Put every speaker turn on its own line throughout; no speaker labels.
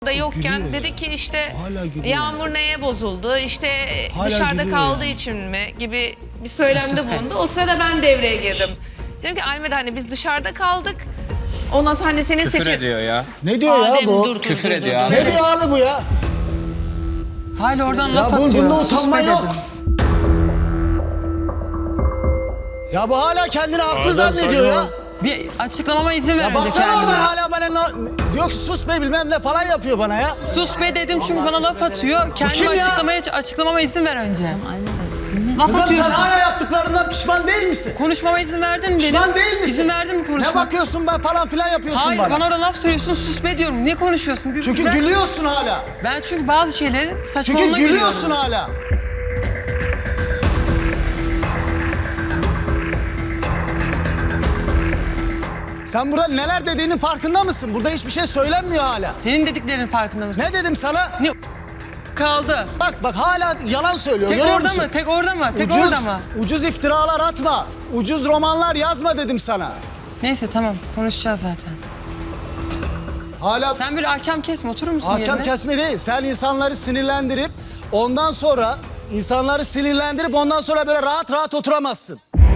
da yokken
Gülüyor
dedi
ya.
ki işte
Hala gülüyor.
Yağmur neye bozuldu, işte
Hala
dışarıda
gülüyor
kaldığı
ya.
için mi gibi bir söylemde bulundu. O sırada ben devreye girdim. Dedim ki Almeda hani biz dışarıda kaldık. Ondan sonra hani senin
Küfür ediyor ya.
Ne diyor ya bu?
Küfür ediyor abi.
Ne diyor abi bu ya?
Hala oradan laf
Ya
atıyor.
bunda
Sus
utanma
be
yok.
dedim.
Ya bu hala kendini haklı zannediyor ya.
Bir açıklamama izin ver
Ya
önce
baksana
kendine.
oradan hala bana diyor ki sus be bilmem ne falan yapıyor bana ya.
Sus be dedim çünkü bana laf atıyor. Kendime
kim ya?
açıklamama izin ver önce. Laf
Kızım sen
atıyorsun.
hala yaptıklarından pişman değil misin?
Konuşmama izin verdin mi dedim.
Pişman değil misin?
İzin verdin mi
Ne
konuşmama?
bakıyorsun ben falan filan yapıyorsun
Hayır
bana.
bana orada laf söylüyorsun sus be diyorum. Ne konuşuyorsun? Bir
Çünkü
bırak.
gülüyorsun hala.
Ben çünkü bazı şeyleri saçmalığına
Çünkü gülüyorsun
gülüyorum.
hala. Sen burada neler dediğinin farkında mısın? Burada hiçbir şey söylenmiyor hala.
Senin dediklerinin farkında mısın?
Ne dedim sana?
Ne kaldı?
Bak hala yalan söylüyor.
Tek
görüyor
orada
musun?
mı? Tek orada mı? Tek
Ucuz,
orada mı?
ucuz iftiralar atma. Ucuz romanlar yazma dedim sana.
Neyse tamam konuşacağız zaten.
Hala
Sen bir ahkam kesme oturur musun
hakem
yerine?
kesme değil. Sen insanları sinirlendirip ondan sonra böyle rahat rahat oturamazsın.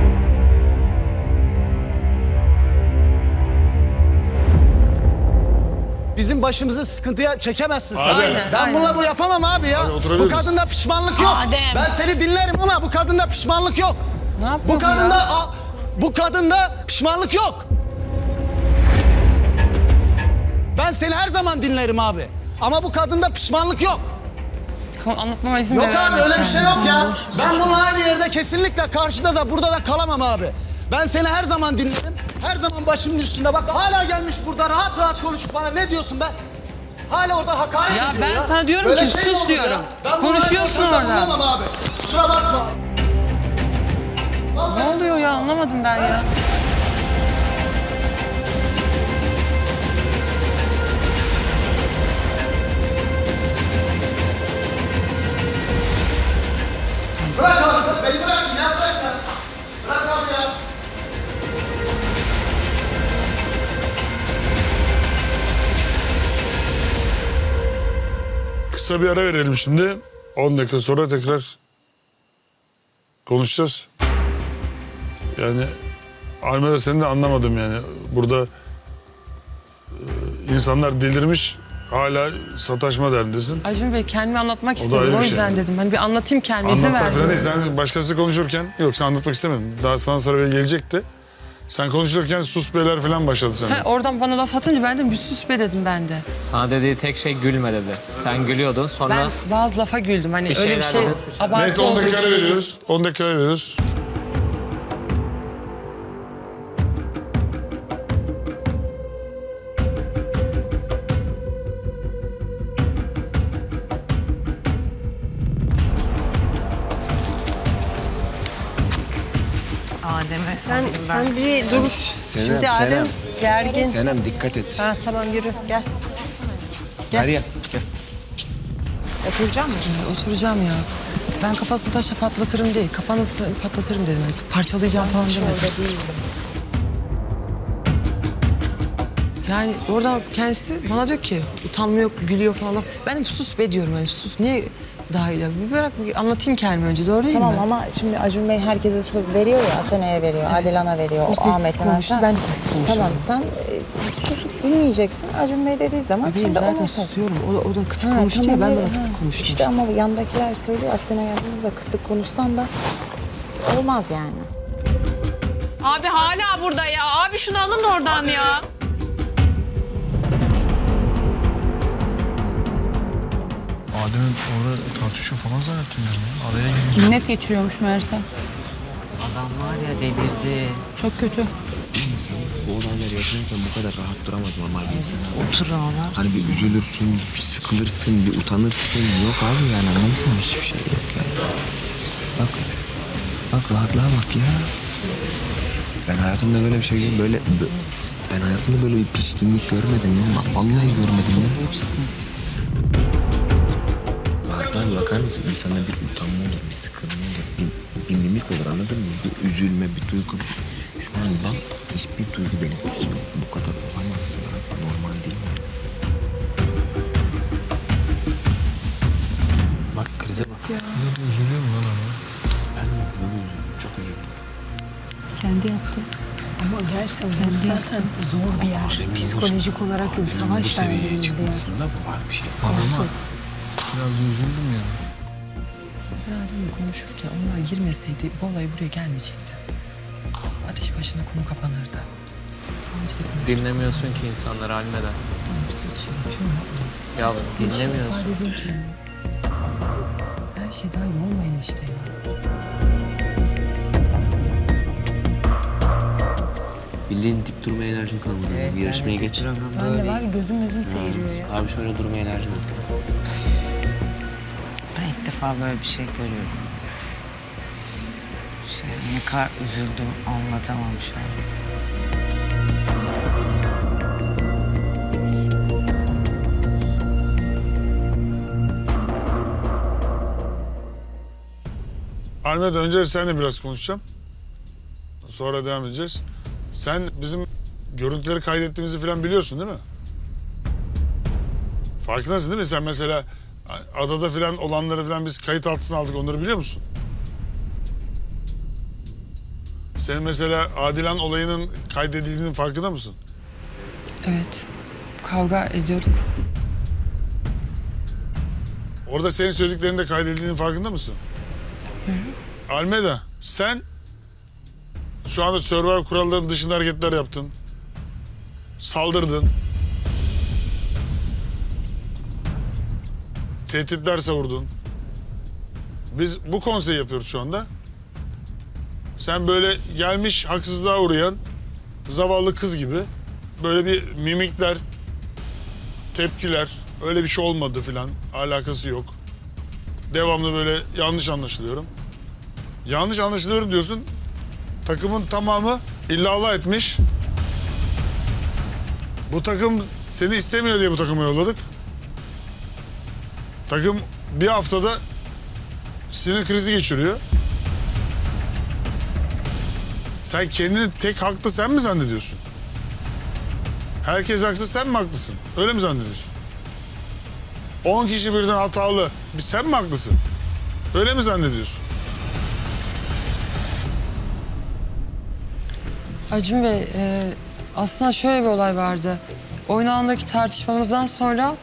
Bizim başımızı sıkıntıya çekemezsin sen.
Aynen,
Ben
aynen.
bununla bu yapamam abi ya. Bu kadında pişmanlık yok.
Adem.
Ben seni dinlerim ama bu kadında pişmanlık yok.
Ne yapıyorsun
Bu kadında pişmanlık yok. Ben seni her zaman dinlerim abi. Ama bu kadında pişmanlık yok.
Anlatmama izin
Yok
ver.
abi öyle bir şey yok ya. Ben bununla aynı yerde kesinlikle karşıda da burada da kalamam abi. Ben seni her zaman dinlerim. Her zaman başımın üstünde bak hala gelmiş burada rahat rahat konuşup bana ne diyorsun be? Hala orada hakaret
Ya
ediyor ya.
ben sana diyorum
Böyle
ki
şey mi
sus
olur
diyorum.
ya? Ben bununla
Konuşuyorsun
ortamda
orada.
bulunamam abi. Kusura bakma.
Ne oluyor ya anlamadım ben ya.
Bırak abi beni bırak ya bırak ya. Bırak abi ya.
Kısa bir ara verelim şimdi. 10 dakika sonra tekrar konuşacağız. Yani Almeda seni de anlamadım yani. Burada insanlar delirmiş. Hala sataşma derdindesin.
Acun Bey kendimi anlatmak
O da
istedim
ayrı
o
bir şey.
yüzden dedim. Hani bir anlatayım kendimi izin
Anlatmak
verdim.
falan değil. Sen başkası konuşurken yok sen anlatmak istemedin. Daha sana sıra gelecekti. Sen konuşurken sus beyler falan başladı sende.
Ha, oradan bana laf atınca ben de bir sus be dedim ben de.
Sana dediği tek şey gülme dedi. Sen gülüyordun sonra
Ben bazı lafa güldüm. Hani
Bir
öyle bir
şeyler
şey
dedin.
abartı
Neyse 10
olduğu
dakika ara
için.
veriyoruz. 10 dakika ara veriyoruz.
Adem'e
Sen bir dur. Şimdi Adem gergin.
Senem dikkat et.
Ha tamam yürü gel.
Meryem gel.
Oturacak mısın?
Oturacağım ya. Ben kafasını taşla patlatırım değil. Kafanı patlatırım dedim. Yani parçalayacağım falan demedim.
Orada değildim.
Yani oradan kendisi bana diyor ki utanma yok, gülüyor falan. Ben de sus be diyorum yani sus. Niye dahil ya? Bir bırak bir anlatayım kendimi önce doğru değil
Tamam
mi?
ama şimdi Acun Bey herkese söz veriyor ya. Asena'ya veriyor, Adilan'a veriyor,
O sessiz
Ahmet'e.
konuştu,
Ha.
ben de sessiz konuşuyorum.
Tamam sen susup dinleyeceksin. Acun Bey dediği zaman
Bebeğim
sen de
zaten
ona
susuyorum. O da kısık
Ha,
konuştu
tamam,
ya ben de
öyle,
ona kısık
ha.
konuştum.
İşte ama yandakiler söylüyor Asena yanınızda kısık konuşsan da olmaz yani.
Abi hala burada ya. Abi şunu alın oradan ya.
Adem'in orada tartışıyor falan zannettim ben ya. Araya girince.
Cinnet geçiriyormuş meğerse.
adam var ya delirdi.
Çok kötü.
İnsan bu olaylar yaşanırken bu kadar rahat duramaz normal bir insan.
Otur ağlar.
Hani bir üzülürsün, bir sıkılırsın, bir utanırsın. Yok abi yani anladın mı? Hiçbir şey yok yani. Bak rahatlığa bak ya. Ben hayatımda böyle bir şey ben hayatımda böyle bir pişkinlik görmedim ya. Bak vallahi görmedim ya. Rahatlığa bakar mısın? İnsanda bir utanma olur, bir sıkılma olur, bir mimik olur anladın mı? Bir üzülme, bir duygu. Şu an bak hiçbir duygu belirtisi yok. Bu kadar olamazsın abi. Normal değil yani.
ya.
Zaten üzülüyor mu lan ama?
Ben de bunu üzüldüm. Çok üzüldüm.
Kendi yaptı. Ama gerçekten zaten zor bir yer. Psikolojik olarak savaş
seviyeye
verdiğinde
çıkmasında var bir şey.
Ama biraz da üzüldüm ya.
Herhalde konuşurken onlar girmeseydi bu olay buraya gelmeyecekti. Ateş başına konu kapanırdı.
Dinlemiyorsun ki insanları Almeda. Ya dinlemiyorsun.
Her şey dahil olmayın işte ya.
Bildiğin dik durma enerjin kalmadı. Bir yarışmaya geç.
ben de var ya gözüm seyiriyor ya.
Abi şöyle durma enerjin yok.
Ben ilk defa böyle bir şey görüyorum. Ne kadar üzüldüm anlatamam şu an.
Almeda önce seninle biraz konuşacağım. Sonra devam edeceğiz. Sen bizim görüntüleri kaydettiğimizi falan biliyorsun değil mi? Farkındasın değil mi? Sen mesela adada falan olanları falan biz kayıt altına aldık. Onları biliyor musun? Sen mesela Adilan olayının kaydedildiğinin farkında mısın?
Evet. Kavga ediyorduk.
Orada senin söylediklerinin de kaydedildiğinin farkında mısın? Almeda, sen şu anda Survivor kurallarının dışında hareketler yaptın. Saldırdın. Tehditler savurdun. Biz bu konseyi yapıyoruz şu anda. Sen böyle gelmiş haksızlığa uğrayan zavallı kız gibi böyle bir mimikler, tepkiler, öyle bir şey olmadı filan, alakası yok. Devamlı böyle yanlış anlaşılıyorum. Yanlış anlaşılıyorum diyorsun. Takımın tamamı illallah etmiş. Bu takım seni istemiyor diye bu takıma yolladık. Takım bir haftada sinir krizi geçiriyor. Sen kendini tek haklı sen mi zannediyorsun? Herkes haksız, sen mi haklısın? Öyle mi zannediyorsun? 10 kişi birden hatalı, sen mi haklısın? Öyle mi zannediyorsun?
Acun Bey, aslında şöyle bir olay vardı. Oyun alanındaki tartışmamızdan sonra,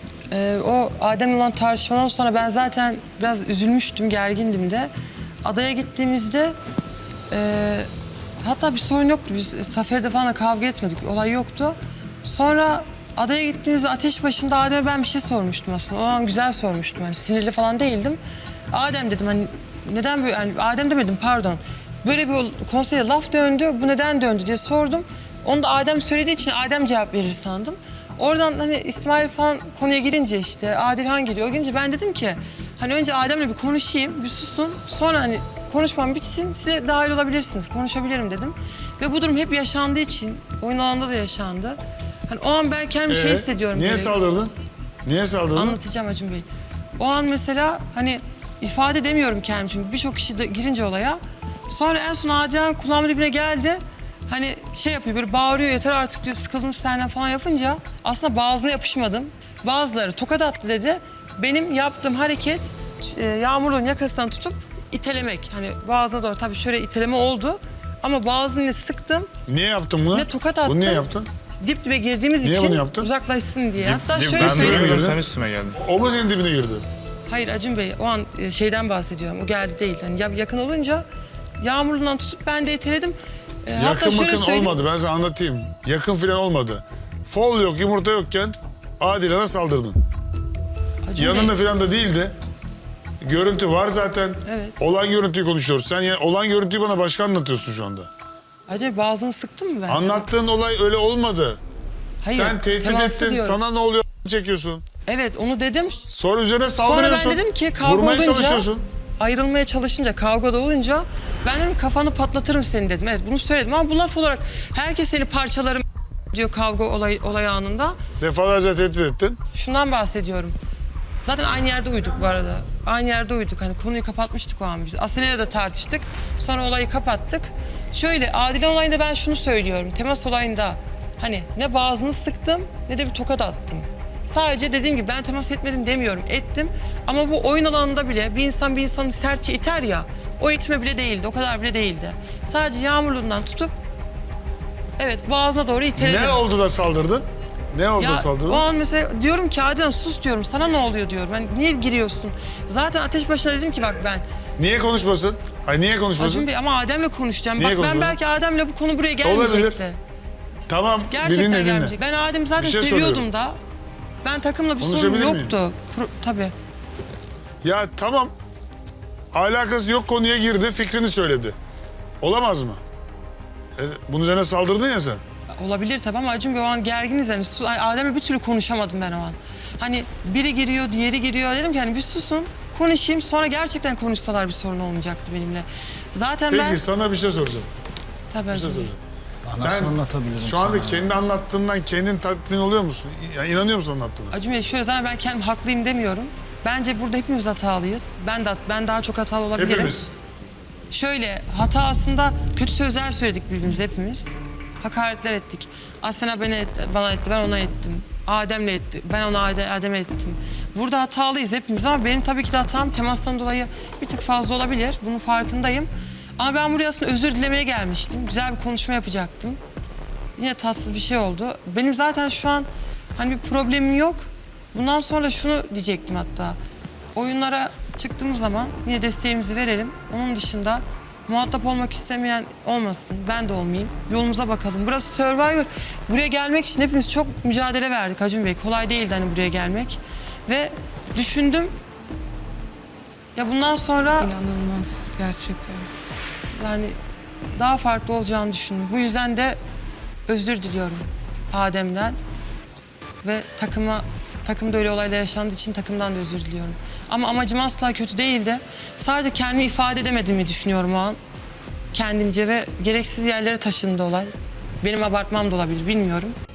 o Adem'le olan tartışmadan sonra ben zaten biraz üzülmüştüm, gergindim de. Adaya gittiğimizde, hatta bir sorun yoktu. Biz Saferi'de falan da kavga etmedik, bir olay yoktu. Sonra adaya gittiğimizde ateş başında Adem'e ben bir şey sormuştum aslında. O an güzel sormuştum, yani sinirli falan değildim. Adem dedim, hani neden böyle, yani Adem demedim pardon. Böyle bir konseyde laf döndü, bu neden döndü diye sordum. Onu da Adem söylediği için Adem cevap verir sandım. Oradan hani İsmail falan konuya girince işte Adilhan geliyor. O gelince ben dedim ki hani önce Adem'le bir konuşayım, bir susun. Sonra hani konuşmam bitsin, size dahil olabilirsiniz, konuşabilirim dedim. Ve bu durum hep yaşandığı için, oyun alanında da yaşandı. Hani o an ben kendimi şey hissediyorum.
Niye
böyle.
saldırdın? Niye saldırdın?
Anlatacağım Acun Bey. O an mesela hani ifade edemiyorum kendimi çünkü birçok kişi de girince olaya. Sonra en son Adilhan kulağımın dibine geldi. Hani şey yapıyor böyle bağırıyor yeter artık diyor sıkıldım senden falan yapınca aslında bazılarına yapışmadım. Bazıları tokat attı dedi. Benim yaptığım hareket Yağmur'un yakasından tutup itelemek. Hani boğazına doğru tabii şöyle iteleme oldu. Ama boğazını sıktım.
Niye yaptın bunu?
Ne tokat attım.
Bunu niye yaptın?
Dip dibe girdiğimiz
Niye
için
bunu yaptın?
uzaklaşsın diye. Hatta şöyle
ben
söyleyeyim.
duymuyorum,
Sen üstüme geldin.
O mu senin dibine girdi?
Hayır Acun Bey o an şeyden bahsediyorum. O geldi değil. Hani yakın olunca Yağmur'dan tutup ben de iteledim. Hatta
Yakın
şöyle
makın
söyleyeyim.
olmadı, ben sana anlatayım. Yakın falan olmadı. Fol yok, yumurta yokken Adilan'a saldırdın.
Acun
Yanında
Bey,
falan da değildi. Görüntü var zaten.
Evet.
Olan görüntüyü konuşuyoruz. Sen yani olan görüntüyü bana başka anlatıyorsun şu anda.
Acaba boğazını sıktın mı ben?
Anlattığın olay öyle olmadı.
Hayır,
Sen tehdit
temaslı
ettin,
diyorum.
sana ne oluyor çekiyorsun.
Evet onu dedim.
Sonra üzerine
Sonra
saldırıyorsun.
ben dedim ki kavga
Vurmaya
olunca,
çalışıyorsun.
ayrılmaya çalışınca, kavgada olunca ben dedim kafanı patlatırım seni dedim. Evet bunu söyledim ama bu laf olarak herkes seni parçalarım diyor kavga olay anında.
Defalarca tehdit ettin.
Şundan bahsediyorum. Zaten aynı yerde uyuduk bu arada. Aynı yerde uyuduk. Hani konuyu kapatmıştık o an biz. Asena'yla da tartıştık. Sonra olayı kapattık. Şöyle Adilan olayında ben şunu söylüyorum. Temas olayında hani ne boğazını sıktım ne de bir tokat attım. Sadece dediğim gibi ben temas etmedim demiyorum. Ettim ama bu oyun alanında bile bir insan bir insanı sertçe iter ya. O itme bile değildi, o kadar bile değildi. Sadece yağmurluğundan tutup evet boğazına doğru iteledim.
Ne oldu da saldırdın? Ne oldu da
Ya
saldırdın?
o an mesela diyorum ki Adem sus diyorum, sana ne oluyor diyorum. Hani niye giriyorsun? Zaten ateş başına dedim ki bak ben
Niye konuşmasın? Hayır niye konuşmasın?
Acun Bey ama Adem'le konuşacağım.
Niye
Bak ben
konuşmadın?
belki Adem'le bu konu buraya gelmeyecekti.
Olabilir. Tamam,
Gerçekten
dinle.
gelmeyecek. Ben Adem'i zaten
Bir şey
seviyordum
soruyorum.
da. Ben takımla bir sorun
Konuşabilir miyim?
yoktu. Tabii.
Ya tamam, alakası yok konuya girdi, fikrini söyledi. Olamaz mı? Bunun üzerine saldırdın ya sen.
Olabilir tabii ama Acun Bey o an gerginiz yani. Adem'le bir türlü konuşamadım ben o an. Hani biri giriyor, diğeri giriyor. Dedim ki hani bir susun, konuşayım. Sonra gerçekten konuşsalar bir sorun olmayacaktı benimle. Zaten
Peki
ben...
sana bir şey soracağım.
Tabii
Bir şey
Acun Bey.
soracağım.
Nasıl anlatabilirim
Şu anda
sana?
kendi anlattığından kendin tatmin oluyor musun? Yani inanıyor musun anlattığına?
Acun Bey şöyle zaten ben kendim haklıyım demiyorum. Bence burada hepimiz hatalıyız. Ben daha çok hatalı olabilirim.
Hepimiz.
Şöyle hata aslında kötü sözler söyledik birbirimize hepimiz. Hakaretler ettik. Asena bana etti, ben ona ettim. Adem'le etti, ben ona Adem'e ettim. Burada hatalıyız hepimiz ama benim tabii ki de hatam temastan dolayı bir tık fazla olabilir. Bunun farkındayım. Ama ben buraya aslında özür dilemeye gelmiştim. Güzel bir konuşma yapacaktım. Yine tatsız bir şey oldu. Benim zaten şu an hani bir problemim yok. Bundan sonra da şunu diyecektim hatta. Oyunlara çıktığımız zaman yine desteğimizi verelim. Onun dışında muhatap olmak istemeyen olmasın. Ben de olmayayım. Yolumuza bakalım. Burası Survivor. Buraya gelmek için hepimiz çok mücadele verdik Acun Bey. Kolay değildi hani buraya gelmek. Ve düşündüm. Ya bundan sonra
İnanılmaz gerçekten.
yani daha farklı olacağını düşündüm. Bu yüzden de özür diliyorum Adem'den. Ve takımda öyle olaylar yaşandığı için takımdan da özür diliyorum. Ama amacım asla kötü değildi. Sadece kendimi ifade edemediğimi düşünüyorum o an. Kendimce ve gereksiz yerlere taşındı olay. Benim abartmam da olabilir, bilmiyorum.